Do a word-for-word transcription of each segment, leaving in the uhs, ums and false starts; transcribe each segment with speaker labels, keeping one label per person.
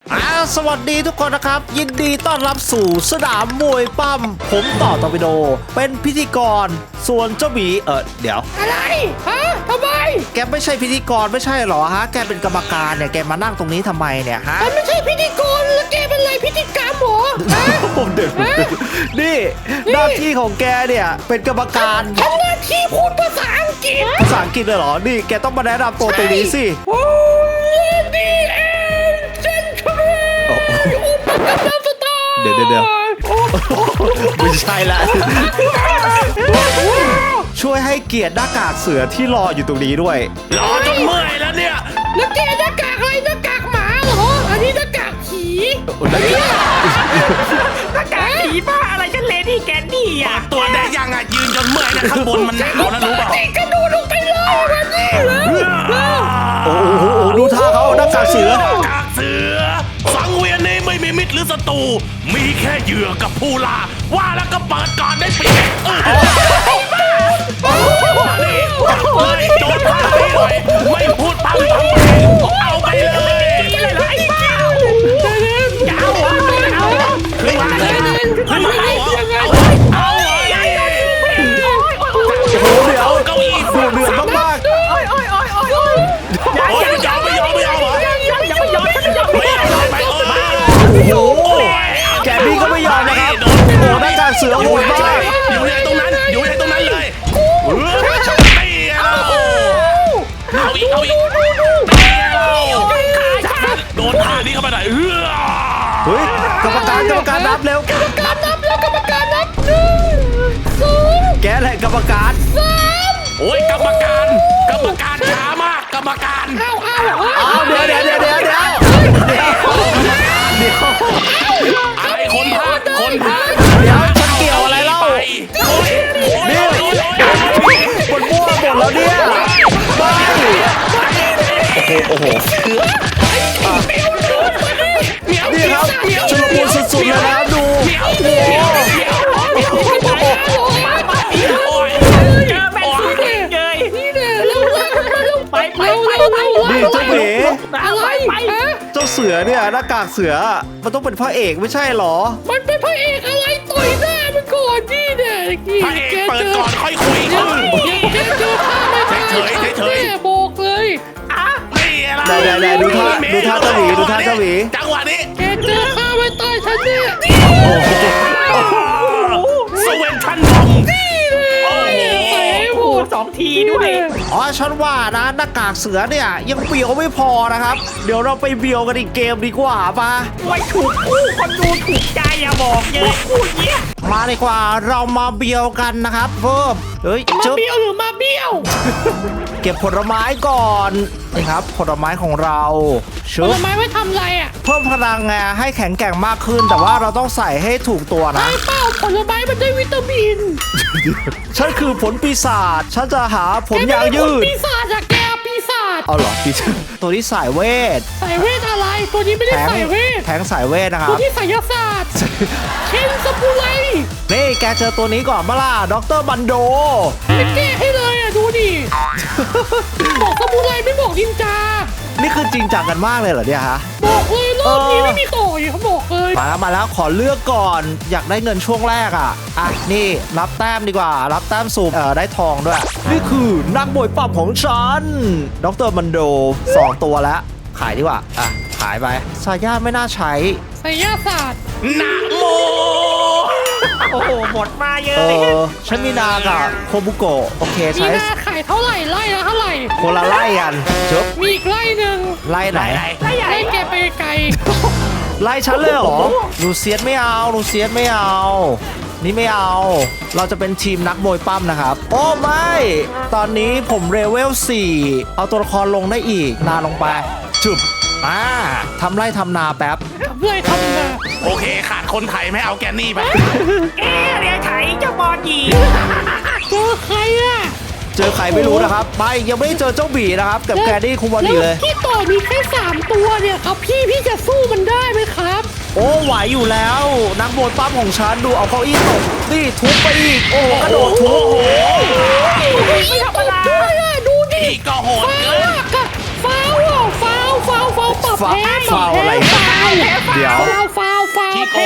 Speaker 1: อ่าสวัสดีทุกคนนะครับยินดีต้อนรับสู่สนามมวยปั้มผมต่อตอร์ปิโดเป็นพิธีกรส่วนเจ้าหมีเออเดี๋ยว
Speaker 2: อะไรฮะทำไม
Speaker 1: แกไม่ใช่พิธีกรไม่ใช่หรอฮะแกเป็นกรรมการเนี่ยแกมานั่งตรงนี้ทำไมเนี่ยฮะ
Speaker 2: มันไม่ใช่พิธีกรแล้วแกเป็นอะไรพิธีกรรมหรอ
Speaker 1: ผมเด็กนี่หน้าที่ของแกเนี่ยเป็นกรรมการ
Speaker 2: ทำหน้าที่พูดภาษาอังกฤษ
Speaker 1: ภาษาอังกฤษเลยเหรอนี่แกต้องมาแนะนำตัวตรงนี้สิ
Speaker 2: โอ้ดีเอ็นเจนทรัลอุปกรณ์สตาร์
Speaker 1: เดี๋ยวเดี๋ยวไม่ใช่ละช่วยให้เกียรติหน้ากากเสือที่รออยู่ตรงนี้ด้วย
Speaker 3: รอจนเมื่อยแล้วเนี่ย
Speaker 2: แล้วแกหน้ากากอะไรหน้ากากหมาเหรออันนี้หน้ากากผี
Speaker 3: หน้ากากผีบ้าอะไรฉันเลดี้แกนนี่อ่ะตัวได้ยังอ่ะยืนจนเมื่อยนะข้างบนมันหนาวนะรู้เปล่า
Speaker 2: กระโดดลงไปเลยมันนี่แล้ว
Speaker 1: โอ้โหดูท่าเขาหน้ากากเสือ
Speaker 3: หน้ากากเสือสังเวียนนี้ไม่มีมิตรหรือศัตรูมีแค่เหยื่อกับผู้ล่าว่าแล้วก็เปิดก่อนได้เปรียบนี่เลยโดนท่าไปเลยไม่พูดปั๊มปั๊มเอาไปเลยไอ้เจ้าเจ้าเอาขึ้นมาเลยขึ้นมาเลยเอาเอา
Speaker 1: โอ้โหเดี๋ยวเก้าอี้ดูเดือดมาก
Speaker 3: โอ้ยโอ้ยโอ้ยโอ้ยโอ้ยไม่ยอมไม่ยอมไม่ยอมเหรอยังไม่ยอมไม่ยอมไม่ยอมไม่ยอม
Speaker 1: โอ้โหแกบี้ก็ไม่ยอมนะครับโอ้โหหน้ากากเสือโหดมาก
Speaker 3: อยู่ในตรงนั้นอยู่ในตรงนั้นเลยตีเราเอาอีกเอาอีกตีเราโดนท่านี้เข้าไปไหนเฮ้ย
Speaker 1: เฮ้ยกรรมการกรรมการนับเร็ว
Speaker 2: กรรมการนับแล้วกรรมการนับหนึ่งสอง
Speaker 1: แกแหละกรรมการ
Speaker 2: สาม
Speaker 3: โอ้ยกรรมการกรรมการช้ามากกรรมการ
Speaker 2: เอาเอา
Speaker 1: เอาเดี๋ยวเดี๋ยวเดี๋ยวเดี๋ยวเดี๋ยวเดี๋ยวเดี๋ยว
Speaker 3: อะไรคนพาคนพา
Speaker 1: เดี๋ยวฉันเกี่ยวอะไรเล่านี่หมดมั่วหมดแล้วเนี่ยไปโอ้โหนี่ครับชุลมุนสุดๆเลยนะดูนี่เจ้าหมี
Speaker 2: อะไร
Speaker 1: เจ้าเสือเนี่ยหน้ากากเสือมันต้องเป็นพระเอกไม่ใช่หรอ
Speaker 2: มันเป็นพระเอกอะไรต่อยหน้ามันก่อนนี่เนี่ย
Speaker 3: พระเอกเปิดก่อนค่อยคุยกัน
Speaker 2: แกเจอข้าไม่ได้
Speaker 3: เฉยเฉย
Speaker 2: บอกเลย
Speaker 3: อ่ะนี่อะไร
Speaker 1: ไหนๆดูท่าดูท่าเจ้าหมีดูท่าเจ้าหมี
Speaker 3: จังหวะนี้
Speaker 2: แกเจอข้าไม่ตายฉันเนี่ย
Speaker 3: สเวนทันบอมสองทีด้วย
Speaker 1: อ๋อฉันว่านะหน้ากากเสือเนี่ยยังเบียวไม่พอนะครับเดี๋ยวเราไปเบียวกันอีกเกมดีกว่าปะ
Speaker 3: ไว้ถูกคู่คนดูถูกใจอย่าบอกเยอะคู่เนี้ย
Speaker 1: มาดีกว่าเรามาเบียวกันนะครับเพิ่มเฮ้ย
Speaker 2: มาเบียวหรือมาเบียว
Speaker 1: เก็บผลไม้ก่อนนี่ครับผลไม้ของเรา
Speaker 2: ผลไม้ไว้ทำอะไรอ่ะ
Speaker 1: เพิ่มพลังไงให้แข็งแกร่งมากขึ้นแต่ว่าเราต้องใส่ให้ถูกตัวนะ
Speaker 2: ไอ้เป้าผลไม้มันได้วิตามิน
Speaker 1: ฉันคือผลปีศาจฉันจะหาผลยางยืด
Speaker 2: ปีศาจอะแกปีศาจ
Speaker 1: เอาเหรอปีศาจตัวนี้สายเวท
Speaker 2: สายเวทอะไรตัวนี้ไม่ได้สายเวท
Speaker 1: แทงสายเวทนะครับ
Speaker 2: ตัวนี้สายศาสตร์เคนสปูไล
Speaker 1: นี่แกเจอตัวนี้ก่อนมาล่ะด็อกเตอร์บันโด
Speaker 2: ไม่แก้ให้เลยอ่ะดูดิบอกสปูไลไม่บอกนินจา
Speaker 1: นี่คือจริงจังกันมากเลยเหรอเนี่ยฮะ
Speaker 2: บอกเลยรอบนี้ไม่มีต่อยเขาบอกเลย
Speaker 1: มาแล้วมาแล้วขอเลือกก่อนอยากได้เงินช่วงแรกอ่ะอ่ะนี่รับแต้มดีกว่ารับแต้มสูบเออได้ทองด้วยนี่คือนักมวยปั้มของฉันด็อกเตอร์บันโดสองตัวแล้วขายดีกว่าอ่ะขายไปซาย่าไม่น่าใช้
Speaker 2: ซาย่าศาสตร์
Speaker 3: นะโมโอ้โหหมดมาเยอะ
Speaker 1: เออฉันมีนากับโคบุโกะโอเคใช้
Speaker 2: มีนาขายเท่าไหร่ไล่ละเท่าไหร่
Speaker 1: คนละไล่กันจบ
Speaker 2: มีอีกไล่หนึ่ง
Speaker 1: ไล่ไหน
Speaker 2: ไล่ใหญ่ไล่แกไปไกล
Speaker 1: ไล่ฉันเลยเหรอลูเซียสไม่เอาลูเซียสไม่เอานี่ไม่เอาเราจะเป็นทีมนักมวยปั้มนะครับโอ้ไม่ตอนนี้ผมเลเวลสี่เอาตัวละครลงได้อีกนาลงไปจุบอ่าทำไร่ทำนาแป๊บ
Speaker 2: ทำไร่ทำนา
Speaker 3: โอเคขาดคนไทยไม่เอาแกนนี่ไปแกเรียกไทยเจ้าบอลยี
Speaker 2: เจอใครอ่ะ
Speaker 1: เจอใครไม่รู้นะครับไปยังไม่ได้เจอเจ้าบีนะครับกับแกนี่คุมบอดีเลย
Speaker 2: พี่ต่อมีแค่สามตัวเนี่ยครับพี่พี่จะสู้มันได้ไหมครับ
Speaker 1: โอ้ไหวอยู่แล้วนักมวยปั้มของฉันดูเอาเก้าอี้ตกนี่ทุบไปอีกโอ้กระโดดทุบโอ้
Speaker 2: ไม่ธรรมดาดูดิ
Speaker 3: ก็โหดเกิน
Speaker 2: ฟาวฟาวฟาวฟาวปรับแพ้
Speaker 1: ฟาวอะไร
Speaker 2: ฟาวแพ้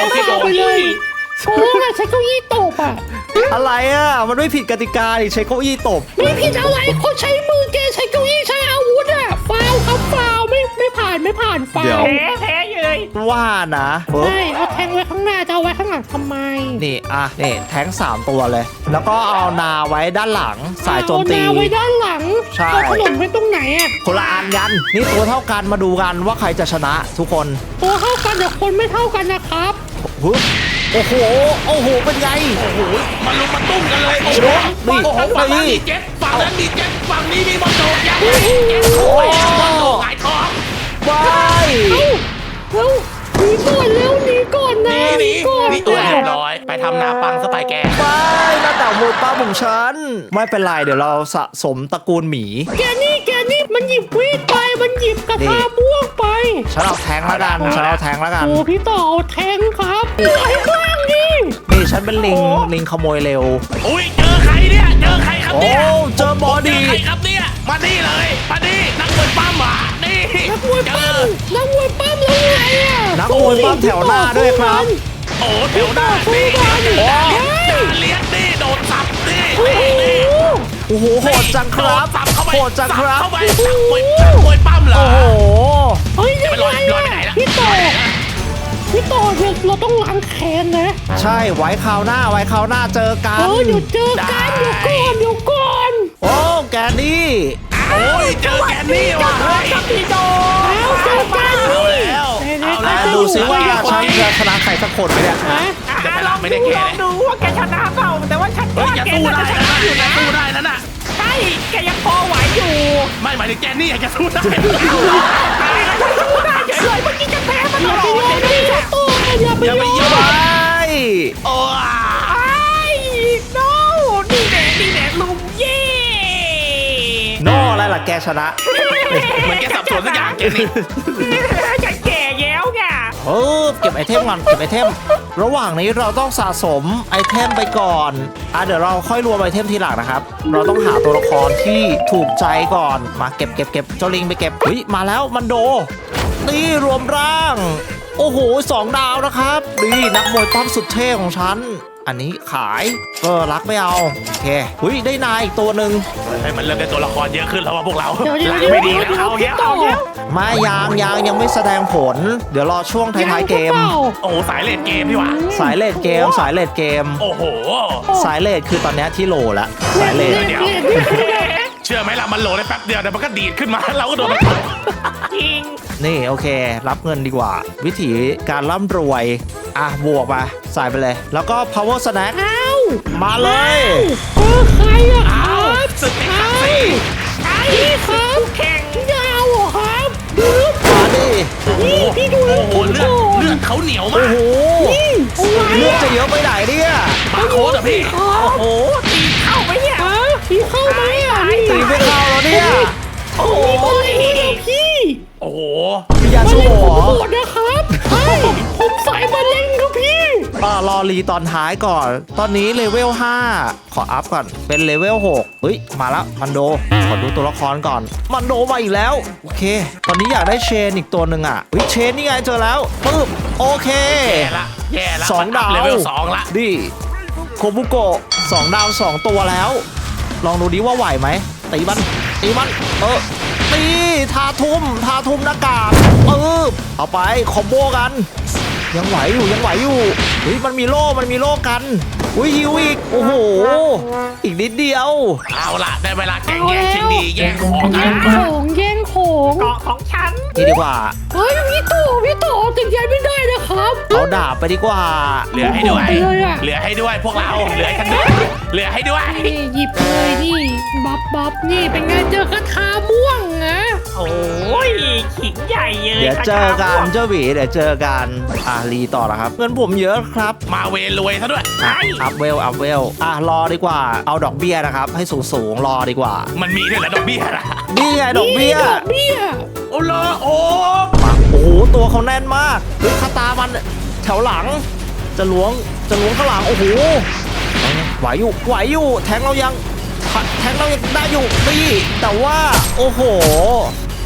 Speaker 2: ฟาวไปเลยโอ้ยใช้เก้าอี้ตบอ่ะ
Speaker 1: อะไรอ่ะมันไม่ผิดกติกาดิใช้เก้าอี้ตบ
Speaker 2: ไม่ผิดอะไรเขาใช้มือแกใช้เก้าอี้ใช้อาวุธอ่ะฟาวครับฟาวไม่ไม่ผ่านไม่ผ่านฟา
Speaker 1: เดี๋ยว
Speaker 2: ว
Speaker 4: แพ้แพ้เลย
Speaker 1: ว่านะปึ๊บ
Speaker 2: ใช่เอาแทงไว้ข้างหน้าจะเอาไว้ข้างหลังทำไม
Speaker 1: นี่อ่ะนี่แท้งสามตัวเลย แล้วก็เอานาไว้ด้านหลังสายโจมตี
Speaker 2: เอานาไว้ด้านหลัง
Speaker 1: ใช่
Speaker 2: เอาขนมไว้ตรงไหนอ่ะ
Speaker 1: คนละอันกันนี่ตัวเท่ากันมาดูกันว่าใครจะชนะทุกคน
Speaker 2: ตัวเท่ากันแต่คนไม่เท่ากันนะครับ
Speaker 1: ฮึบโอ้โหโอ้โหเป็นไง
Speaker 3: โอ้โหมันลุมมาตุ้มกันเลยโอ้โห
Speaker 1: นี่
Speaker 3: โอ้โหฝั่งนั้น
Speaker 1: นี่
Speaker 3: มีเจ็ตฝั่งนั้นมีเจ็ตฝั่งนี้มีบอลโดดยังไงเจ็ตโอ้ยบอลโดดหงายท้อง
Speaker 1: ไป
Speaker 2: เร็วหนีก่อนเร็วหนีก่อนนะ
Speaker 3: หนีหนี
Speaker 2: ก่อน
Speaker 3: หนีตัวเรียบร้อย ไปทำนาปังสไตล์แก
Speaker 1: ไปหน้าต่างมวยป้าของฉันไม่เป็นไรเดี๋ยวเราสะสมตระกูลหมี
Speaker 2: แกนี่แกนี่มันหยิบวีดไปมันหยิบกระ
Speaker 1: นี่
Speaker 2: ทาม่วงไป
Speaker 1: ฉันเอาแทงแล้วกันฉันเอาแทงแล้วกัน
Speaker 2: โอ้พี่ต่อเอาแทงครับเหลือให้บ้างดิ
Speaker 1: นี่ฉันเป็นลิงลิงขโมยเร็ว
Speaker 3: อุ้ยเจอใครเนี่ยเจอใครครับ
Speaker 1: โอ้
Speaker 3: เนี่ย
Speaker 1: เจอบอ
Speaker 3: เจ
Speaker 1: ดี้
Speaker 3: อใครครับเนี่ยมานี่เลยมานี่นักมวยปั้มอ่ะนี่
Speaker 2: นักมวย
Speaker 3: เจ
Speaker 2: ปั้
Speaker 3: อ
Speaker 2: มนักมวยปั้มแล้วไงอ่ะ
Speaker 1: นักมวยปั้มแถวหน้าด้วยครับ
Speaker 3: โอ้เดี๋ยวหน้านี่ด่าเลี้ยงนี่โดนสับนี่
Speaker 2: โอ้โห
Speaker 3: นี่
Speaker 1: โอ้โหโหดจังครับ
Speaker 3: สับเข้าไป
Speaker 1: โหดจังครับ
Speaker 3: เข้าไปสับมวยสับมวยปั้มเหรอ
Speaker 1: โอ้โห
Speaker 2: เฮ้ยยัง
Speaker 3: ไม่
Speaker 2: ไง
Speaker 3: ลอยลอยไปไหน
Speaker 2: อ่ะ
Speaker 3: ล่ะ
Speaker 2: พี่ต่อพี่ต่อเราเราต้องล้างแค้นนะ
Speaker 1: ใช่ไว้คราวหน้าไว้คราวหน้าเจอกั
Speaker 2: เอน อเดี๋ยวเจอกันเดี๋ยวก่อนเดี๋ยวก่อน
Speaker 1: โอ้แกนี่
Speaker 3: โอ้ยเจอแกนนี่ว่ะเฮ้ย
Speaker 4: พี่โด
Speaker 2: แล้วเจอกัน
Speaker 3: เอา
Speaker 2: นี่
Speaker 3: แล้วเอา
Speaker 1: อ่ะ
Speaker 3: แล้ว
Speaker 1: ดูสิว่าฉันจะชนะใครสักคนไหมเนี่ย
Speaker 2: ฮะ
Speaker 4: ลองดูลองดูว่าแกชนะเปล่าแต่ว่าฉัน
Speaker 3: เฮ้ย
Speaker 4: ว่า
Speaker 3: อย่า
Speaker 4: แก
Speaker 3: สู้
Speaker 4: น่า
Speaker 3: ได้
Speaker 4: จะช
Speaker 3: นะ
Speaker 4: นะอยู่
Speaker 3: อย่า
Speaker 4: นะ
Speaker 3: สู้ได้นั่นน่ะ
Speaker 4: ใช่แกยังพอไหวอยู่
Speaker 3: ไม่หมายถึงแกนี่อย่าสู้ได้
Speaker 4: ตายแล้วฉันสู้ได้เฉยเลยเมื่อกี้จะแพ้มัน
Speaker 2: อ
Speaker 4: ต
Speaker 2: ย่า
Speaker 4: ล
Speaker 2: ไป
Speaker 4: อด
Speaker 2: ยอม
Speaker 4: เลย
Speaker 2: พี่
Speaker 4: เนี่ย
Speaker 2: ต่ออย่าไป
Speaker 3: อย่าย ไป
Speaker 2: อม
Speaker 3: ยอ
Speaker 1: ไป
Speaker 3: มโอ้
Speaker 4: ไอ้โน่นี่แหละนี่แหละลุงเย่
Speaker 1: โน่อะไรล่ะแกชนะ
Speaker 3: เหมือนแกสับสนสักอย่างแกนี่
Speaker 4: ฉันแก่แล้วไง
Speaker 1: เออเก็บไอเทมก่อนเก็บไอเทม ระหว่างนี้เราต้องสะสมไอเทมไปก่อนอ่ะเดี๋ยวเราค่อยรวมไอเทมทีหลังนะครับ เราต้องหาตัวละครที่ถูกใจก่อนมาเก็บเก็บเก็บเจ้าลิงไปเก็บเฮ้ยมาแล้วมันโดนี่รวมร่าง โอ้โหสองดาวนะครับนี่นักมวยปั้มสุดเท่ของฉันอันนี้ขายเออรักไม่เอาโอเคเฮ้ยได้นายอีกตัวหนึ่ง
Speaker 3: ให้มันเริ่มเป็นตัวละครเยอะขึ้นแล้วว่าพวกเรา
Speaker 2: เดี๋ยวเดี๋ยว
Speaker 3: ไม่
Speaker 2: เดี๋ยว
Speaker 3: ดี
Speaker 2: เดี๋ยว
Speaker 3: แล้ว
Speaker 2: พี่
Speaker 3: เอา
Speaker 2: ต่อ
Speaker 3: เงี้ย
Speaker 1: ไม่ยังยังยังไม่แสดงผล เดี๋ยวรอช่วงท้ายๆเกม
Speaker 3: โอ้โหสายเลดเกมพี่หวะ
Speaker 1: สายเลดเกม สายเลดเกม
Speaker 3: โอ้โห
Speaker 1: สายเลดคือตอนเนี้ยที่โหลแล้วสายเลด
Speaker 3: เดี๋ยว
Speaker 2: เดี๋ยวนี่คือแบบ
Speaker 3: เชื่อไหมล่ะมันโหลได้แป๊บเดียวแต่มันก็ดีดขึ้นมาเราก็โดนมันตบ
Speaker 4: จริง
Speaker 1: นี่โอเค รับเงินดีกว่า วิธีการร่ำรวย อ่ะ บวกมาใส่ไปเลย แล้วก็ power snack
Speaker 2: อ้าว
Speaker 1: มาเลย
Speaker 2: เออใครอะค
Speaker 3: อ้า
Speaker 2: รั
Speaker 3: ว
Speaker 2: บ
Speaker 3: สึก
Speaker 2: ใค
Speaker 3: นี้
Speaker 2: ร
Speaker 3: ครับสิ
Speaker 2: ใครครับแข่งยาวเหรอครับดูรูป
Speaker 1: มาดิ
Speaker 2: นี่พี่ดูรู
Speaker 3: โอ้
Speaker 2: ป
Speaker 3: โห
Speaker 2: ผม ก่อน
Speaker 3: เลือดเลือดเขาเหนียวมา
Speaker 1: โอ้
Speaker 3: ก
Speaker 1: โห
Speaker 2: นี่เอาไว้
Speaker 1: เลือดจะเยอะไปไหนเนี่ย
Speaker 3: บาร์โค้ดอะพี่
Speaker 2: ครับ
Speaker 4: โอ้โหตีเข้าไปเนี่ย
Speaker 2: ฮะพี่เข้าไหมอ่ะนี่
Speaker 1: ตีไม่เข้าแล้วเนี่ย
Speaker 4: โอ้โห
Speaker 2: โอ้ยพี่
Speaker 3: โอ้โห
Speaker 1: มียา
Speaker 2: มา
Speaker 1: สู
Speaker 2: เล่
Speaker 1: บ
Speaker 2: น
Speaker 1: เห
Speaker 2: ผ
Speaker 1: ร
Speaker 2: ม
Speaker 1: อ
Speaker 2: โหดนะครับใช่ผมสายมาเล่นครับพี่
Speaker 1: อ่ารอรีตอนท้ายก่อน ตอนนี้เลเวลห้าขออัพก่อน เป็นเลเวลหกเฮ้ย มาแล้ว มันโด ขอดูตัวละครก่อน มันโดมาอีกแล้ว โอเค ตอนนี้อยากได้เชนอีกตัวหนึ่งอ่ะเฮ้ยเชนนี่ไงเจอแล้วปึ๊บ โอเค
Speaker 3: แย่ละแย่ละ
Speaker 1: สองดาว
Speaker 3: เลเวลสองละ
Speaker 1: ดิโคบุโกะสองดาวสองตัวแล้ว ลองดูดิว่าไหวไหมตีมันตีมัน เออตีทาทุ่มทาทุ่มหน้ากากเออเอาไปคอมโบกัน ยังไหวอยู่ยังไหวอยู่เฮ้ยมันมีโล่มันมีโล่กันอุ้ยฮิวอีกโอ้โห อีกนิดเดียว
Speaker 3: เอาละได้เวลาแข่งแย่งชิงดีแย่งของกั
Speaker 2: แย่
Speaker 3: น
Speaker 2: งของแย่งของ
Speaker 4: เกาะของฉัน
Speaker 1: นี่ดีกว่า
Speaker 2: เฮ้ยพี่โตพี่โตติดใจไม่ได้นะครับ
Speaker 1: เอาดาบไปดีกว่า
Speaker 3: เหลือให้ด้วย
Speaker 2: โอ้โหเลยอะ
Speaker 3: เหลือให้ด้วยพวกเราเหลือให้กันด้วยเหลือให้ด้วย
Speaker 2: นี่หยิบเลยนี่บับบับนี่เป็นไงเจอกระทาม่วงนะ
Speaker 4: โอ้ยขิงใหญ่เลย
Speaker 1: เดี๋ยวเจอกันเจ้าหวีเดี๋ยวเจอกันอ่ะรีต่อแล้วครับเงินผมเยอะครับ
Speaker 3: มาเวรรวยซะด้วย
Speaker 1: อ่ะอัพเวลอัพเวลอ่ะรอดีกว่าเอาดอกเบี้ยนะครับ ให้สูงสูงๆรอดีกว่า
Speaker 3: มันมีด้วยเหรอดอกเบี้ยล่ะ
Speaker 1: นี่ไงดอกเบี้ย
Speaker 2: นี่ดอกเบี้ย
Speaker 3: โอ้โหโอ้
Speaker 1: มาโอ้โหตัวเขาแน่นมากเฮ้ยคาตามันแถวหลัง จะล้วงจะล้วงข้างหลังโอ้โหไหวอยู่ไหวอยู่แทงเรายังแทงเรายังได้อยู่นี่แต่ว่าโอ้โห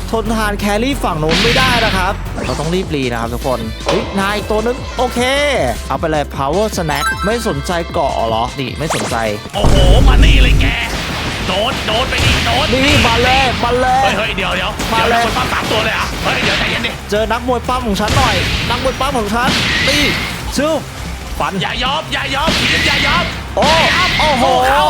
Speaker 1: ทนทานแครี่ฝั่งนู้นไม่ได้นะครับเราต้องรีบรีนะครับทุกคนเฮ้ยนายอีกตัวนึงโอเคเอาไปเลย power snack ไม่สนใจเกาะเหรอนี่ไม่สนใจ
Speaker 3: โอ้โหมานี่เลยแกโดนโดนไปดิโดน
Speaker 1: นี่มาเลยมาเลย
Speaker 3: เฮ้ยเฮ้ยเดี๋ยวเดี๋ยว
Speaker 1: มาเลย
Speaker 3: ดี๋วคนปั้มสามตัวเลยเหรอ่ะเฮ้ยเดี๋ยวใจเย็นดิ
Speaker 1: เจอนักมวยปั้มของฉันหน่อย นักมวยปั้มของฉันตีชื่อฟัน
Speaker 3: อย่ายอมอย่ายอมทีมอย่ายอม
Speaker 1: โอ้โอ้โห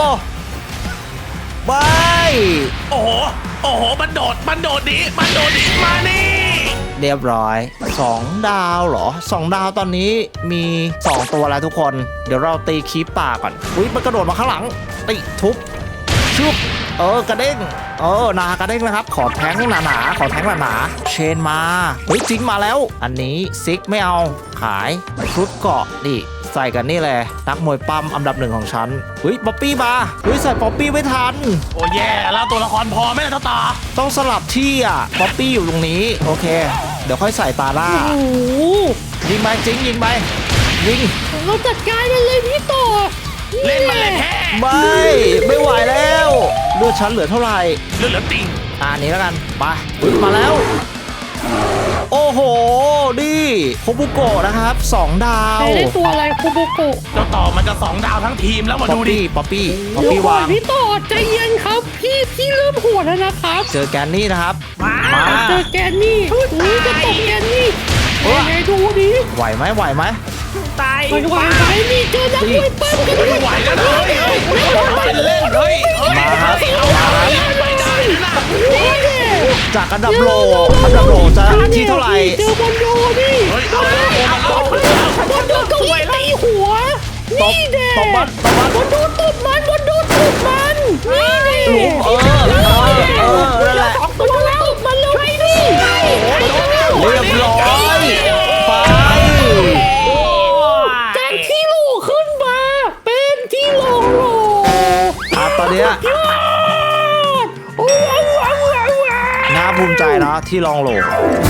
Speaker 1: ไม่
Speaker 3: โอ้โหโอ้โหมันโดดมันโดดหนีมันโดดหนีมานี่
Speaker 1: เรียบร้อยสองดาวเหรอสองดาวตอนนี้มีสองตัวแล้วทุกคน เดี๋ยวเราตีคีปป่าก่อนอุ้ยมันกระโดดมาข้างหลังตีทุบชุบเออกระเด้งเออนากระเด้งนะครับ ขอแทงหนาๆขอแทงหนาๆเชนมาเฮ้ยจริงมาแล้ว อันนี้ซิกไม่เอาขายชุดเกาะนี่ใส่กันนี่เลยนักมวยปั้มอันดับหนึ่งของฉันเฮ้ยป๊อปปี้มาเฮ้ยใส่ป๊อปปี้ไม่ทัน
Speaker 3: โอ้แย่แล้วตัวละครพอไหมล่ะเจ้าตา
Speaker 1: ต้องสลับที่อ่ะป๊อปปี้อยู่ตรงนี้โอเค เดี๋ยวค่อยใส่ตาหน้า
Speaker 4: โอ้โห
Speaker 1: ยิงไปจริงยิงไปยิง
Speaker 4: เราจัดการมันเลยพี่ต่อ
Speaker 3: เล่นมันเลยแค่
Speaker 1: ไม่ไม่ไหวแล้วเลือดฉันเหลือเท่าไหร่
Speaker 3: เลือดเหลือติ่ง
Speaker 1: อ่านี้แล้วกันไปอุ๊ยมาแล้ว โอ้โหดิโคบุโกะนะครับสองดาว
Speaker 4: ใครได้ตัวอะไรคูโบโกะ
Speaker 3: เจ้าต่อมันจะสองดาวทั้งทีมแล้วมา
Speaker 1: ป๊อ
Speaker 3: ดู
Speaker 1: ป
Speaker 3: ดิ
Speaker 1: ปี้ป๊อปปี้ป๊อป
Speaker 4: เดี๋ยว
Speaker 1: ปี้
Speaker 4: ก่อ
Speaker 1: วาน ง
Speaker 4: พี่ต่อใจเย็นครับพี่พี่เริ่มโหดแล้วนะครับ
Speaker 1: เจอแกนนี่นะครับมา
Speaker 4: เจอแกนนี่นี่จะตกแกนนี่ไหนดูดิ
Speaker 1: ไหวไหมไหวไหม
Speaker 2: ตาย
Speaker 4: ไปไหวไหมนี่เจอนักมวยปั้มกันด้วย
Speaker 3: ไม่ไหวแล้วนะเฮ้ยเฮ้ยเป็นเล่นเฮ้ยเฮ้ย
Speaker 1: มาครับ
Speaker 3: เอาเอาไม่ได้นะ
Speaker 4: นี่แน่
Speaker 1: จากอันดับโลอันดับโลจะที่เท่าไหร่
Speaker 4: เจอบอลโดนี่
Speaker 3: เฮ้ยเอาเอาเอาเอา
Speaker 4: บอลโดเก้าอี้ตีหัว
Speaker 1: ตบ
Speaker 4: นี่แน่
Speaker 1: ตบมันตบมัน
Speaker 4: บอลโดตบมันบอลโดตบมันนี่แน่
Speaker 1: ลุมเออเออเออนั่นแหละ
Speaker 4: บอลโดตบมันเลยไปดิ
Speaker 1: เรียบร้อยไป
Speaker 4: จากที่โหลขึ้นมาเป็นที่โหลโหล
Speaker 1: อ่ะตอนเนี้ย
Speaker 4: ยอดโอ้ว้าวว้าวว้าวว้าว
Speaker 1: น่าภูมิใจนะที่ลองโหล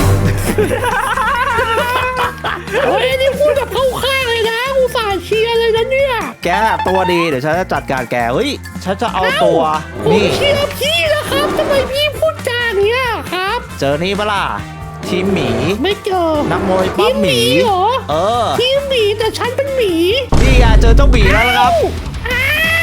Speaker 4: เฮ้ยนี่พูดแบบเข้าข้างเลยนะอุตส่าห์เชียร์เลยนะเนี่ย
Speaker 1: แกตัวดีเดี๋ยวฉันจะจัดการแกเฮ้ยฉันจะเอาตัว
Speaker 4: ผม
Speaker 1: นี่
Speaker 4: เชียร์พี่นะครับทำไมพี่พูดจาอย่างเนี้ยครับ
Speaker 1: เจอนี่ปะล่ะทีมหมี
Speaker 4: ไม่เจอ
Speaker 1: นักมวยปั้มหมี
Speaker 4: ทีเหรอ
Speaker 1: เออ
Speaker 4: ทีมหมีแต่ฉันเป็นหมี
Speaker 1: นี่ไงเจอเจ้าหมีแล้วนะครับ
Speaker 4: อ้าว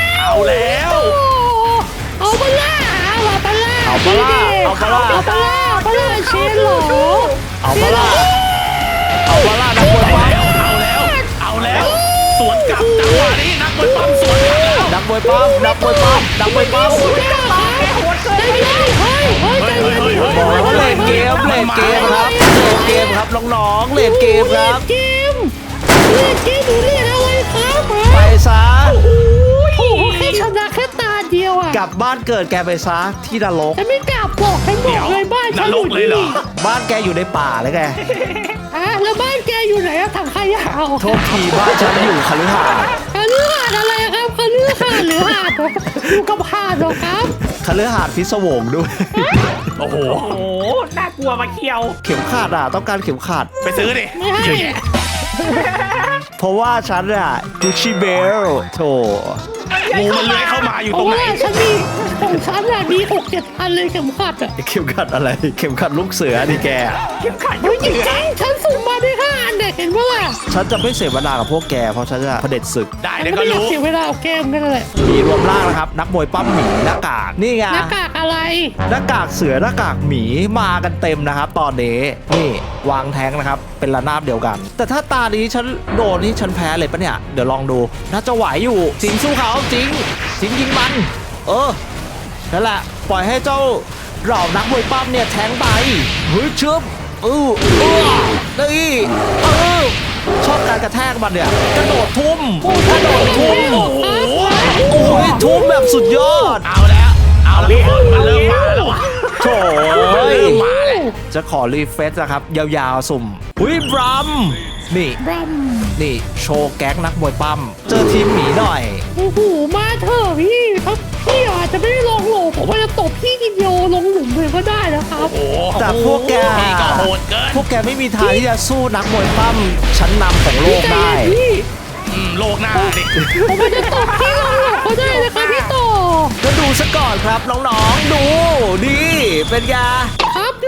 Speaker 3: เอาแล้ว
Speaker 4: เอาปะล่ะเอาปะล่ะ
Speaker 1: เอาปะล่ะเอาปะล่ะ
Speaker 4: เอาปะล่ะเอาปะล่ะเชนเหรอ
Speaker 1: เอาปะล่ะเอาปะล่ะนักมวย
Speaker 3: เอา
Speaker 1: ปั้ม
Speaker 3: แล้วเอาแล้วเอาแล้วสวนกลับจังหวะนี้นักมวยปั้มสวนกลับแล้ว
Speaker 1: นักมวยปั้มนักมวยปั้มนักมวยปั้ม
Speaker 4: ได้เลยเฮ้ยเฮ้ยใจเย็น
Speaker 1: บอกแล้วว่าเล่นเกมเล่นเกมครับเล่นเกมครับน้องๆเล่นเกมครับ
Speaker 4: เกมเล่นเกมหนูเล่นอะไรครับ
Speaker 1: ไปซะ
Speaker 4: โอ้โหแค่ชนะแค่ตาเดียวอ่ะ
Speaker 1: กลับบ้านเกิดแกไปซะที่นรก
Speaker 4: ฉันไม่กลับบอกฉันบอกเลยบ้าน
Speaker 3: น
Speaker 4: ฉัน
Speaker 3: ร
Speaker 4: อก ยู่
Speaker 3: เลยเหรอ
Speaker 1: บ้านแกอยู่ในป่าเลยแก
Speaker 4: อ่ะแล้วบ้านแกอยู่ไหนอะถังขยะเอา
Speaker 1: โทษทีบ้านฉันอยู่คฤหาสน์
Speaker 4: คฤหาสน์อะไรครับคฤหาสน์หรือหาดเหรออยู่กับหาดเหรอครับ
Speaker 1: คฤหาสน์พิศวงด้วย
Speaker 3: โอ้โห
Speaker 2: โอ้โหน่ากลัวมาเคียว
Speaker 1: เข็มขัดอ่ะต้องการเข็มขัด
Speaker 3: ไปซื้อดิ
Speaker 4: ไม่ให้
Speaker 3: เยอะแยะ
Speaker 1: เพราะว่าฉันอ่ะกุชชี่เบลโถ
Speaker 3: งูมันเลื้อยเข้ามาอยู่
Speaker 4: เพ
Speaker 3: ตร
Speaker 4: ราะ
Speaker 3: งไหน
Speaker 4: ว่าฉันมีของฉันอะมีหกเจ็ดพันเลยเข็มขัดอะ
Speaker 1: เข็มขัดอะไร เข็มขัดลูกเสือดิแก
Speaker 2: เข็มขัด
Speaker 4: เฮ้ยจริงๆฉันสุ่มมาได้ห้าอันเนี่ยเห็นปะล่ะ
Speaker 1: ฉันจะไม่เสวนากับพวกแกเพราะฉันจะเผด็จศึก
Speaker 3: ได้
Speaker 4: ฉัน
Speaker 3: เดี๋ยว
Speaker 4: ก็
Speaker 3: ก็
Speaker 4: ไม่อยาก
Speaker 3: รู้
Speaker 4: เสียเวลาเอาแก้มกันเลย
Speaker 1: มีรวมร่างนะครับ นักมวยปั้มหมีหน้ากากนี่ไง
Speaker 4: หน้ากากอะไร
Speaker 1: หน้ากากเสือหน้ากากหมีมากันเต็มนะครับ ตอนนี้นี่วางแท้งนะครับ เป็นระนาบเดียวกัน แต่ถ้าตานี้ฉันโดนนี่ฉันแพ้เลยปะเนี่ยเดี๋ยวลองดูน่าจะไหวอยู่จริงสู้เขาจริงจริงยิงมัน เออนั่นแหละปล่อยให้เจ้าเหล่านักมวยปั้มเนี่ยแทงไปเฮ้ยชึบเออเออนี่เออชอบการกระแทกมันเนี่ยกระโดดทุ่มกระโดดทุ่ม
Speaker 3: โอ้โห
Speaker 1: โอ้ยทุ่มแบบสุดยอด
Speaker 3: เอาแล้วเอาแล้วทุกคนมันเริ่มมาแล้ววะ
Speaker 1: โถ่
Speaker 3: มัน
Speaker 1: เอ้ย
Speaker 3: เริ่มมาแล้ว
Speaker 1: จะขอรีเฟซนะครับ ยาวๆสุ่มหุยบรัมนี่
Speaker 4: บรัม
Speaker 1: นี่โชว์แก๊กนักมวยปั้มเจอทีมหมีหน่อย
Speaker 4: โอ้โหมาเถอะพี่ถ้าพี่อาจจะไม่ได้ลงโหลผมว่าจะตบพี่ทีเดียวลงหลุมเลยก็ได้นะครับ
Speaker 3: โอ้โห
Speaker 1: แต่พวกแก
Speaker 3: นี่ก็โหดเกิน
Speaker 1: พวกแกไม่มีทางที่จะสู้นักมวยปั้มชั้นนำของโลกได้
Speaker 4: พี่
Speaker 3: อืมโลกหน้าดิ
Speaker 4: ผมว่าจะตบพี่ลงหลุมก็ได้นะครับพี่ต่อ
Speaker 1: ก็ดูซะก่อนครับน้องๆ ดูดีเป็นไง
Speaker 4: ครับล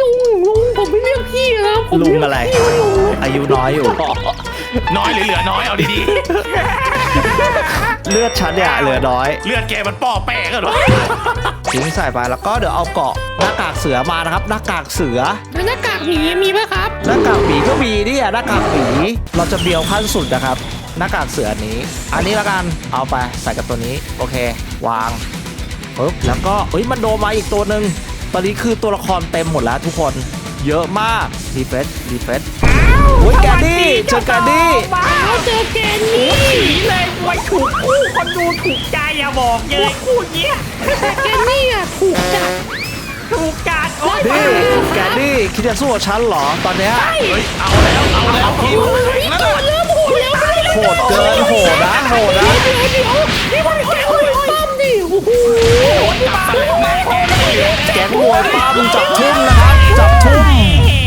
Speaker 4: ลุงลุงผมไม่เรียกพี่นะผม
Speaker 1: ลุง
Speaker 4: เยก
Speaker 1: อะไร
Speaker 4: พี่ว่าลุง
Speaker 1: อายุน้อยอยู่
Speaker 3: น้อยหรือเหลือน้อยเอาดี
Speaker 1: เลือดฉันเนี่ยเหลือน้อย
Speaker 3: ๆเลือดแกมันป้อแป้กันวะ
Speaker 1: ทิ้งใส่ไปแล้วก็เดี๋ยวเอาเกาะหน้ากากเสือมานะครับหน้ากากเสือ
Speaker 4: แล้วหน้ากากหมีมีไหมครับ
Speaker 1: หน้ากากหมีก็มีนี่อะหน้ากากหมีเราจะเบียวขั้นสุดนะครับหน้ากากเสือนี้ อันนี้ละกันเอาไปใส่กับตัวนี้โอเควางปึ๊บแล้วก็เอ้ยมันโดนมาอีกตัวหนึ่งตอนนี้คือตัวละครเต็มหมดแล้วทุกคนเยอะมากรีเฟรชรีเฟรชโอ้ยแกนดี้เจอแกนดี้
Speaker 4: เอาเจอแกนนี่
Speaker 2: ผีเลยไว้ถูกคู่คนดูถูกใจอย่าบอกเลยคู่เนี้ย
Speaker 4: แต่แกนนี่อ่ะถูกจัด
Speaker 2: ถูกการโอ้ย
Speaker 1: นี่แกนดี้คิดจะสู้กับฉันเหรอตอนเนี้ย
Speaker 3: เฮ้ยเอาแล้วเอาแล้วพี่
Speaker 4: โอ้ยพี่โตเริ่มโหดแล้ว
Speaker 1: โหดเกินโหดนะโหดนะ
Speaker 4: เดี๋ยวเดี๋ยวนี่มันแกงมวยปั้มดิโอ้โห
Speaker 3: จับสลับแม่แกไม่เหลือ
Speaker 1: แกงมวยปั้มจับทุ่มนะครับจับทุ่ม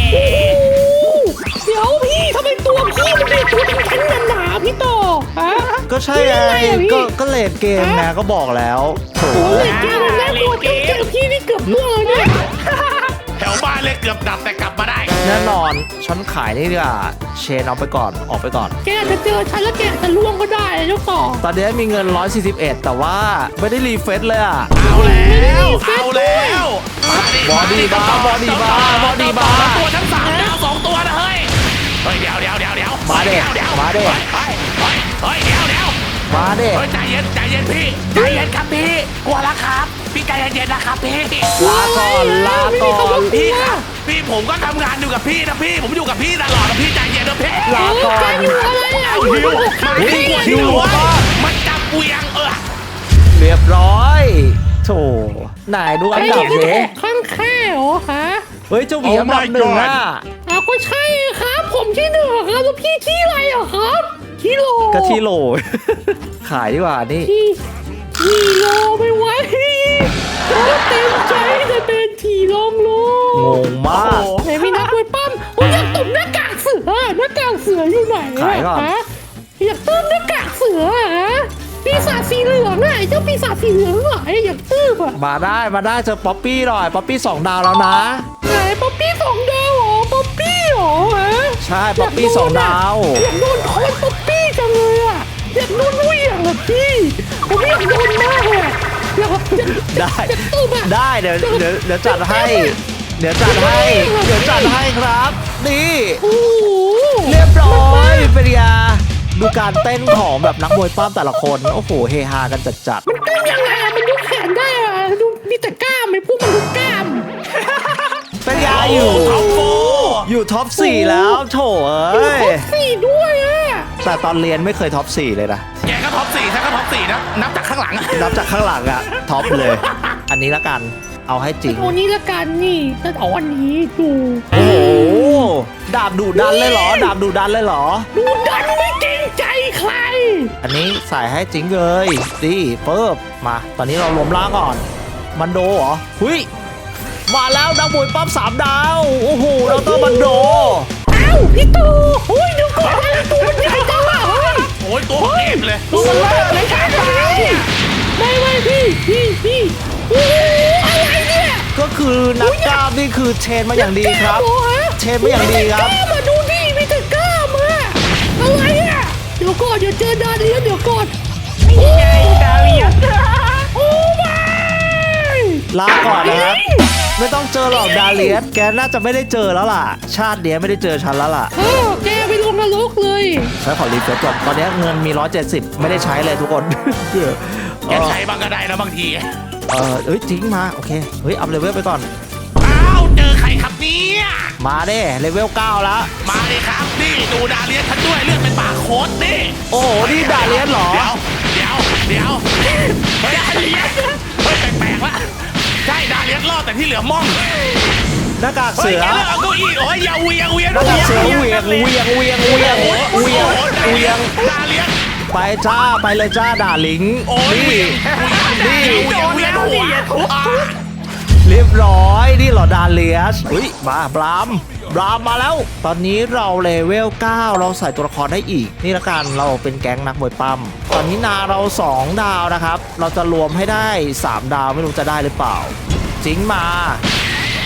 Speaker 4: เดี๋ยวพี่ทำไมตัวพี่มันเป็นตัวแข็งๆหนาๆพี่โตฮะ
Speaker 1: ก็ใช่ไงก็ก็เลดเกมไงก็บอกแล้วโถ
Speaker 4: โอ้ยเกมมันน่ากลัวจังเจอพี่นี่เกือบล่วงเลยเนี่ย
Speaker 3: แถวบ้านเลยเกือบดับแต่กลับมาได้
Speaker 1: แน่นอนฉันขายนี่ดีกว่าเชนเอาไปก่อนออกไปก่อน
Speaker 4: แกอาจจะเจอฉันแล้วแกอาจจะล่วงก็ได้เจ้าต่อ
Speaker 1: ตอนนี้มีเงินหนึ่งร้อยสี่สิบเอ็ดแต่ว่าไม่ได้รีเฟรชเลยอ่ะ
Speaker 3: เอาแล้วเอาแล้ว
Speaker 1: บอดี้บาร์บอดี้บาร์บอดี้บาร์
Speaker 3: ตัวทั้งสามดาวสองตัวนะเฮ้ยเฮ้ยเดี๋ยวเดี๋ยวเดี๋ยวเดี๋ยว
Speaker 1: มาดิ
Speaker 3: เดี๋ยว
Speaker 1: มาดิ
Speaker 3: เฮ้ยเฮ้ยเฮ้ยเดี๋ยวเดี๋ยว
Speaker 1: มาเด้
Speaker 3: เฮ้ยใจเย็นใจเย็นพี่ใจเย็นครับพี่กลัวแล้วครับพี่ใจเย็นๆนะครับพี่
Speaker 1: ลาก่อนลาก่อน
Speaker 3: พี่ครับพี่ผมก็ทำงานอยู่กับพี่นะพี่ผมอยู่กับพี่ตลอดนะพี่ใจเย็นนะพี่
Speaker 1: ลาก่อน
Speaker 4: อยู่อะไรอ่ะ
Speaker 3: เอาหิวมัน
Speaker 1: เฮ้ย
Speaker 3: หิว
Speaker 1: หิว
Speaker 3: หัว
Speaker 1: มาก
Speaker 3: มันจับเวียงเออ
Speaker 1: เรียบร้อยโถไหนดูอันดับ
Speaker 4: ไอ้
Speaker 1: เด้
Speaker 4: ข้างแค่เหรอฮะ
Speaker 1: เฮ้ยเจ้าหมีอันดับหนึ่งอ่ะ
Speaker 4: อ้าวก็ใช่ครับ ผมที่หนึ่งอะครับแล้วพี่ที่อะไรอะครับที่โล
Speaker 1: ก็ที่โหล ขายดีกว่านี่
Speaker 4: ที่ที่โลไม่ไหวโอ้เต็มใจจะเป็นทีลองโล
Speaker 1: งงมาก
Speaker 4: ไหนมีนักมวยปั้มโอ้ยอยากตุ่มหน้ากากเสือหน้ากากเสืออยู่ไหนอะ
Speaker 1: ขายก่อน
Speaker 4: ฮะอยากตื้มหน้ากากเสืออะฮะปีศาจสีเหลืองอะไอ้เจ้าปีศาจสีเหลืองไหนอยากตื้มอะ
Speaker 1: มาได้มาได้เจอป๊อปปี้หน่อยป๊อปปี้สองดาวแล้วนะ
Speaker 4: ไหนป๊อปปี้สองดาวเหรอป๊อปปี้เหรอฮะ
Speaker 1: ใช่ป๊อปปี้สองดาว
Speaker 4: อยากโดนโคนป๊อปปี้จังเลยอะอยากโดนเหวี่ยงอะพี่ผมอยากโดนมากเลยอะอยากอยาก
Speaker 1: ได้
Speaker 4: อยากตุ้มอะ
Speaker 1: ได้เดี๋ยวเดี๋ยวเดี๋ยวจัดให้ เดี๋ยวจัดให้ เดี๋ยวจัดให้ครับ นี่
Speaker 4: โอ้โห
Speaker 1: เรียบร้อยเป็นยาดูการเต้นของแบบนักมวยปั้มแต่ละคน โอ้โหเฮฮากันจัด
Speaker 4: มันตุ้มยังไงอะมันยกแขนได้อะดูมีแต่กล้ามไอ้พวกมันดูกล้าม
Speaker 1: ๆเป็นยาอยู่
Speaker 3: ท็อปโฟ
Speaker 1: อยู่ท็อปสี่แล้วโถเอ้ย
Speaker 4: ครบสี่ด้วยอะ
Speaker 1: แต่ตอนเรียนไม่เคยท็อปสี่เลยนะ
Speaker 3: แกก็ท็อปสี่ฉันก็ท็อปสี่นะนับจากข้างหลังอะ
Speaker 1: นับจากข้างหลังอะท็อปเลย อันนี้ละกันเอาให้จริง
Speaker 4: เอานี้ละกันนี่จะเอาอันนี้ดู
Speaker 1: โอ้โหดาบดุดันเลยเหรอ ดาบดุดันเลยเหรอ
Speaker 4: ดูดันไม่เกรงใจใคร
Speaker 1: อันนี้ใส่ให้จริงเลยดีเปิบมา ตอนนี้เรารวมร่างก่อน มันโดเหรอหุยมาแล้วนักมวยปั้มสามดาว โอ้โหเราต้องมันโด
Speaker 4: อ้าวพี่ตูโอ้ยเดี๋ยวก่อนนะตัวมันใหญ่จังอะเฮ้ย
Speaker 3: โอ้ยตัวเก็บเลย
Speaker 4: ตัวมันเลิกเลยครับไม่ไม่พี่พี่พี่โอ้โหอะไรเนี่ย
Speaker 1: ก็คือนักกล้ามนี่คือเทรนมาอย่างดีครับ
Speaker 4: กล้ามหอฮะ
Speaker 1: เทรนมาอย่างดีครับ
Speaker 4: กล้ามาดูดิมีแต่กล้ามอะอะไรอะเดี๋ยวก่อนเดี๋ยวเจอดาเลียนเดี๋ยวก่อน
Speaker 2: ไงดาเลียน
Speaker 4: โอ้ไม่
Speaker 1: ลาก่อนนะครับ ไม่ต้องเจอหรอกดาเลียสแกน่าจะไม่ได้เจอแล้วล่ะ ชาติเนี้ยไม่ได้เจอฉันแล้วล่ะ
Speaker 4: เออแกไปลงนรกเลย
Speaker 1: ฉันขอรีเฟรชก่อนตอนนี้เงินมีหนึ่งร้อยเจ็ดสิบไม่ได้ใช้เลยทุกคน
Speaker 3: แกใช้บ้างก็ได้นะบางที
Speaker 1: เออเอ้ยทิ้งมาโอเคเฮ้ยอัพเลเวลไปก่อน
Speaker 3: อ้าวเจอใครครับเนี่ย
Speaker 1: มาเด้เลเวลเก้าแล้ว
Speaker 3: มาเลยครับนี่ดูดาเลียนฉันด้วยเลือดเป็นปากโคตรนี่
Speaker 1: โอ้โหนี่ดาเลียสเหรอ
Speaker 3: เดี๋ยวเดี๋ยวเดี๋ยวเฮ้ยดาเลียนเฮ้ยแปลกๆละใช่ดาเลียนรอดแต่ที่เหลือม่อง
Speaker 1: หน้ากาก
Speaker 3: เฮ้
Speaker 1: เสื
Speaker 3: ย
Speaker 1: อ
Speaker 3: แกเลือกเอาเก้าอี้โอ้ยอย่าเวียงเวียง
Speaker 1: หน้ากากเสือเหวียงเหวียงเหวียงเหวียงเหวียงเหวียง
Speaker 3: ดาเลียน
Speaker 1: ไปจ้าไปเลยจ้าด่าลิง
Speaker 3: โอ้ย
Speaker 1: นี่
Speaker 3: นี่เวียงเวียงหัวอ่ะ
Speaker 1: เรียบร้อยนี่เหรอดาเลียสอุ้ยมาบรามบรามมาแล้ว ตอนนี้เราเลเวลเก้าเราใส่ตัวละครได้อีก นี่ละกันเราเป็นแก๊งนักมวยปั้มตอนนี้นาเราสองดาวนะครับ เราจะรวมให้ได้สามดาวไม่รู้จะได้หรือเปล่าจิงมา
Speaker 3: โ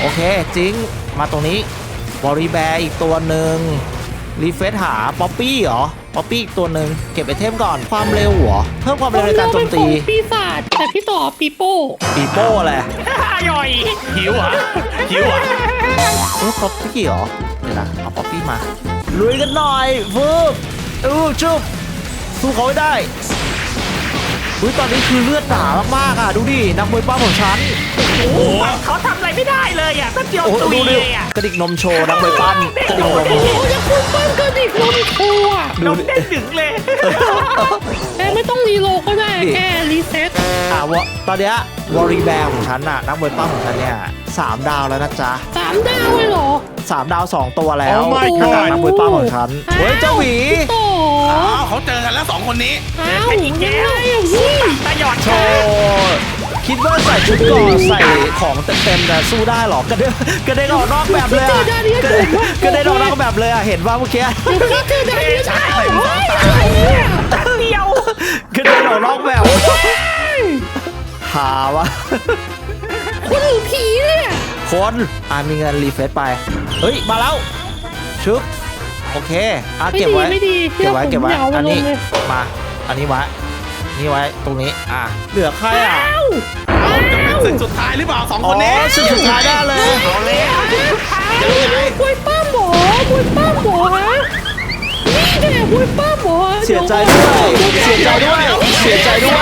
Speaker 1: โอเคจริงมาตรงนี้บริแบร์อีกตัวหนึ่งรีเฟซหาป๊อปปี้เหรอป๊อปปี้อีกตัวหนึ่งเก็บไอเทมก่อนความเร็วเหรอเพิ่มความเร็วในการโจมตี
Speaker 4: เป็นของปีศาจแต่พี่ต่อปีโป้
Speaker 1: ปีโป้แหละ
Speaker 3: ย่อยหิวเหรอ่ะหิวเหรอ่ะ
Speaker 1: เออป๊อปปี้เหรอเดี๋ยวนะเอาป๊อปปี้มาลุยกันหน่อยฟูบอู้ชุบสู้เขาให้ได้อุ้ยตอนนี้คือเลือดหนามากๆอ่ะดูดินักมวยป้าของฉัน
Speaker 3: โอ้โหเขาทำอะไรไม่ได้เลยอ่ะแป๊บเดียว
Speaker 1: โอ้
Speaker 3: ตุย
Speaker 1: ดูดิ
Speaker 3: เลยอ่ะ
Speaker 1: กระดิกนมโชว์นักมวยปั้มกระดิกนม
Speaker 4: โอ้โหจะคุณปั้นกระดิกนมโชว์อะ
Speaker 3: นมเด้งดึงเลย
Speaker 4: แกไม่ต้องรีโหลดก็ได้แค่รีเซ็ต
Speaker 1: อ่ะวะตอนเนี้ยวอรีแบร์ของฉันน่ะนักมวยปั้มของฉันเนี่ยสามดาวแล้วนะจ๊ะ
Speaker 4: สามดาวเลยเหรอ
Speaker 1: สามดาวสองตัวแล้ว
Speaker 3: Oh my
Speaker 1: ขนาด
Speaker 3: god
Speaker 1: นักมวยปั้มของฉันเฮ้ยเจ้าหวี
Speaker 4: พี่ต่อ
Speaker 3: อ้าวเขาเจอกันแล้วสองคนนี้
Speaker 4: อ้าวยังไงอะพี่
Speaker 3: ตาหยอด
Speaker 1: โชว์คิดว่าใส่ชุดเก่อนใส่ของเต็มๆแต่สู้ได้เหรอกระเด็นกระเด็นออกนอกแบบเลยอะกระเด็นกระเด็นออกนอกแบบเลยอะเห็นว่าเมื่อกี้
Speaker 4: เดี๋ยวพี่เจอได้ยังไง
Speaker 3: ใส่
Speaker 4: เฮ้ย
Speaker 3: ตา
Speaker 4: อะไรเนี่ย
Speaker 3: ตัดเดียว
Speaker 1: กระเด็นออกนอกแบบหาวะ
Speaker 4: คนหรือผีเนี่ย
Speaker 1: คนอ่ามีเงินรีเฟซไปเฮ้ยมาแล้วชึบโอเคอ่ะ
Speaker 4: ไม่
Speaker 1: เก็บ
Speaker 4: ดี
Speaker 1: ไว้
Speaker 4: ไม่ดี
Speaker 1: เก็บไว้เก็บไว้
Speaker 4: ยาว
Speaker 1: อั
Speaker 4: มาน ล
Speaker 1: นี้
Speaker 4: งเลย
Speaker 1: มาอันนี้ไว้นี่ไว้ตรงนี้อ่ะเหลือใครอ่ะ
Speaker 4: อ้าว
Speaker 3: จะเป็นศึกสุดท้ายหรือเปล่าสอง
Speaker 1: อ๋
Speaker 3: ค
Speaker 1: อน
Speaker 3: นี้
Speaker 1: สุดสุดท้ายได้เลย
Speaker 3: เอาเลย
Speaker 4: มวยป้ามหมอมวยป้ามหมอฮะนี่แหละมวยป้ามหมอ
Speaker 1: เสียใจด้วยเสียใจด้วยเสียใจด้วย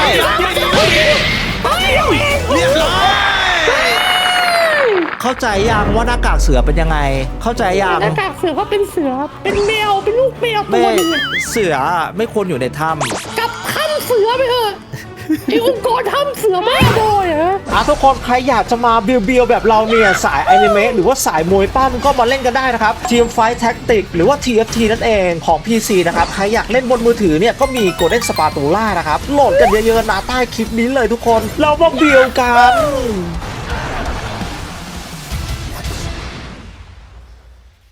Speaker 3: เรียบร้อย
Speaker 1: เข้าใจยังว่าหน้ากากเสือเป็นยังไง เข้าใจยัง
Speaker 4: หน้ากากเสือก็เป็นเสือ เป็นแมว เป็นลูกแมวตั
Speaker 1: ไม่
Speaker 4: วหนึงอะ
Speaker 1: เสือไม่ควรอยู่ในถ้
Speaker 4: กลับถ้ำเสือไปเถอะไอ้องค์กรถ้ำเสือไม่โดยเหรอ
Speaker 1: ำอ่ะทุกคนใครอยากจะมาเบียวๆแบบเราเนี่ยสายอนิเมะหรือว่าสายมวยปั้มก็มาเล่นกันได้นะครับ Team Fight Tactics หรือว่า ที เอฟ ที นั่นเองของ พี ซี นะครับ ใครอยากเล่นบนมือถือเนี่ยก็มี Golden Spatula นะครับ โหลดกันเยอะๆนะใต้คลิปนี้เลยทุกคนเรามาเบียวกัน